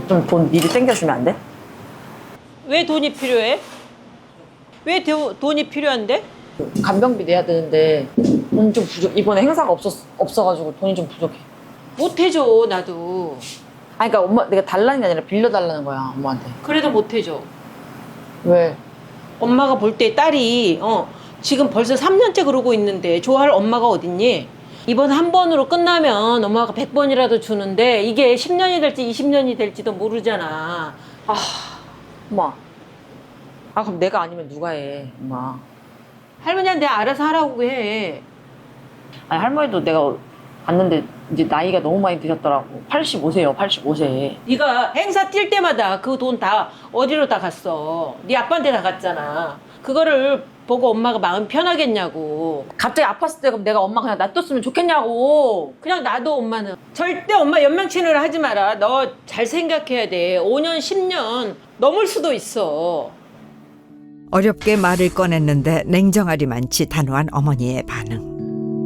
좀 돈 미리 땡겨주면 안 돼? 왜 돈이 필요해? 왜 돈이 필요한데? 간병비 내야 되는데 돈 좀 부족. 이번에 행사가 없어가지고 돈이 좀 부족해. 못 해줘, 나도. 아니 그러니까 엄마 내가 달라는 게 아니라 빌려달라는 거야 엄마한테. 그래도 못 해줘. 왜? 엄마가 볼 때 딸이 지금 벌써 3년째 그러고 있는데 좋아할 엄마가 어딨니? 이번 한 번으로 끝나면 엄마가 100번이라도 주는데 이게 10년이 될지 20년이 될지도 모르잖아. 엄마. 아 그럼 내가 아니면 누가 해 엄마. 할머니한테 알아서 하라고 해. 아니 할머니도 내가 봤는데 이제 나이가 너무 많이 드셨더라고. 85세요 85세. 네가 행사 뛸 때마다 그 돈 다 어디로 다 갔어? 네 아빠한테 다 갔잖아. 그거를 보고 엄마가 마음 편하겠냐고. 갑자기 아팠을 때 그럼 내가 엄마 그냥 놔뒀으면 좋겠냐고. 그냥 놔둬 엄마는. 절대 엄마 연명치료를 하지 마라. 너 잘 생각해야 돼. 5년 10년 넘을 수도 있어. 어렵게 말을 꺼냈는데 냉정하리만치 단호한 어머니의 반응.